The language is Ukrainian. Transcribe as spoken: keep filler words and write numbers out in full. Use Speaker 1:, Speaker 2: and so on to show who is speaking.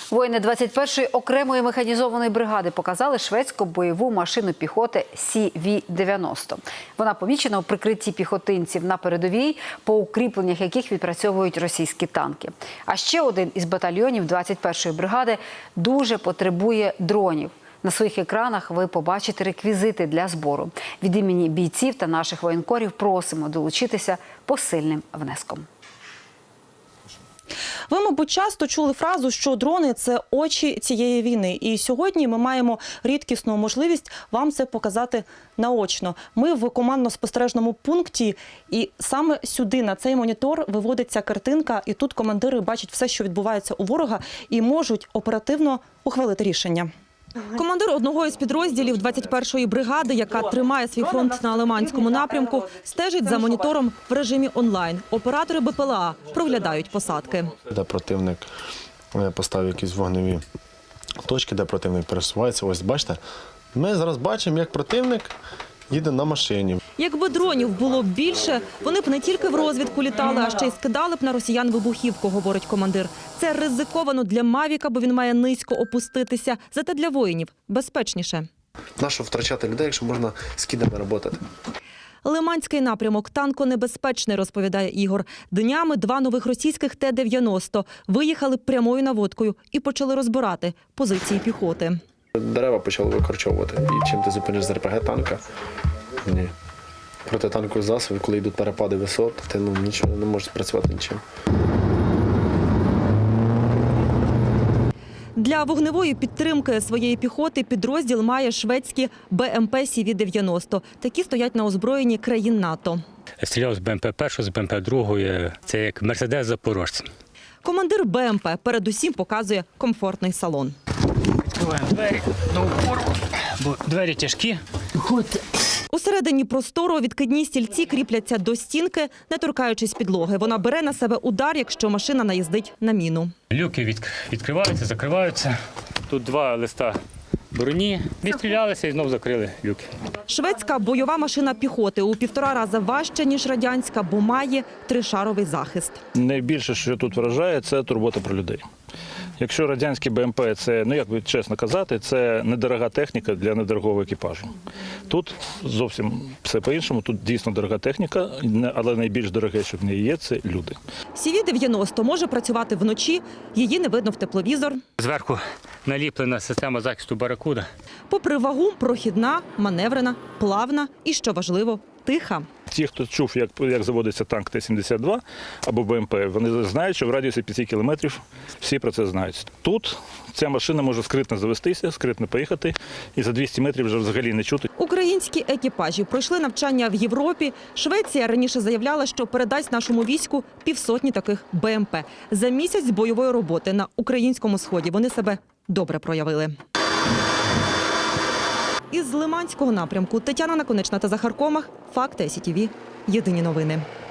Speaker 1: Воїни двадцять першої окремої механізованої бригади показали шведську бойову машину піхоти Сі Ві дев'яносто. Вона помічена у прикритті піхотинців на передовій, по укріпленнях яких відпрацьовують російські танки. А ще один із батальйонів двадцять першої бригади дуже потребує дронів. На своїх екранах ви побачите реквізити для збору. Від імені бійців та наших воєнкорів просимо долучитися посильним внеском.
Speaker 2: Ви, мабуть, часто чули фразу, що дрони – це очі цієї війни. І сьогодні ми маємо рідкісну можливість вам це показати наочно. Ми в командно-спостережному пункті, і саме сюди, на цей монітор, виводиться картинка, і тут командири бачать все, що відбувається у ворога, і можуть оперативно ухвалити рішення. Командир одного із підрозділів двадцять першої бригади, яка тримає свій фронт на Лиманському напрямку, стежить за монітором в режимі онлайн. Оператори Бе Пе Еле А проглядають посадки.
Speaker 3: Де противник поставив якісь вогневі точки, де противник пересувається. Ось бачите, ми зараз бачимо, як противник їде на машині.
Speaker 2: Якби дронів було більше, вони б не тільки в розвідку літали, а ще й скидали б на росіян вибухівку, говорить командир. Це ризиковано для Мавіка, бо він має низько опуститися. Зате для воїнів безпечніше.
Speaker 3: Нащо втрачати людей, якщо можна з кідами працювати?
Speaker 2: Лиманський напрямок танконебезпечний, розповідає Ігор. Днями два нових російських Те дев'яносто виїхали прямою наводкою і почали розбирати позиції піхоти.
Speaker 3: Дерева почали викорчовувати. І чим ти зупиниш з Ер Пе Ге танка? Ні. Проти танкових засобів, коли йдуть перепади висот, ти ну, нічого не можеш спрацювати нічим.
Speaker 2: Для вогневої підтримки своєї піхоти підрозділ має шведські Бе Ем Пе Сі Ві дев'яносто. Такі стоять на озброєнні країн НАТО.
Speaker 4: Стріляв з Бе Ем Пе першого, з Бе Ем Пе другого. Це як Мерседес запорожця.
Speaker 2: Командир Бе Ем Пе передусім показує комфортний салон.
Speaker 4: Відкриваємо двері до упору, бо двері тяжкі. Виходьте.
Speaker 2: Усередині простору відкидні стільці кріпляться до стінки, не торкаючись підлоги. Вона бере на себе удар, якщо машина наїздить на міну.
Speaker 4: Люки від... відкриваються, закриваються. Тут два листа броні. Відстрілялися і знову закрили люки.
Speaker 2: Шведська бойова машина піхоти у півтора рази важча, ніж радянська, бо має тришаровий захист.
Speaker 5: Найбільше, що тут вражає, це турбота про людей. Якщо радянський Бе Ем Пе – це, ну як би чесно казати, це недорога техніка для недорогого екіпажу. Тут зовсім все по-іншому, тут дійсно дорога техніка, але найбільш дороге, що в неї є, це люди.
Speaker 2: Сі Ві дев'яносто може працювати вночі, її не видно в тепловізор.
Speaker 4: Зверху наліплена система захисту «Баракуда».
Speaker 2: Попри вагу, прохідна, маневрена, плавна і, що важливо, тиха.
Speaker 5: Ті, хто чув, як, як заводиться танк Те сімдесят два або Бе Ем Пе, вони знають, що в радіусі п'яти кілометрів всі про це знають. Тут ця машина може скритно завестися, скритно поїхати, і за двісті метрів вже взагалі не чути.
Speaker 2: Українські екіпажі пройшли навчання в Європі. Швеція раніше заявляла, що передасть нашому війську півсотні таких Бе Ем Пе. За місяць бойової роботи на українському сході вони себе добре проявили. Із Лиманського напрямку Тетяна Наконечна та Захар Комах. Факти Сі Ті Ві. Єдині новини.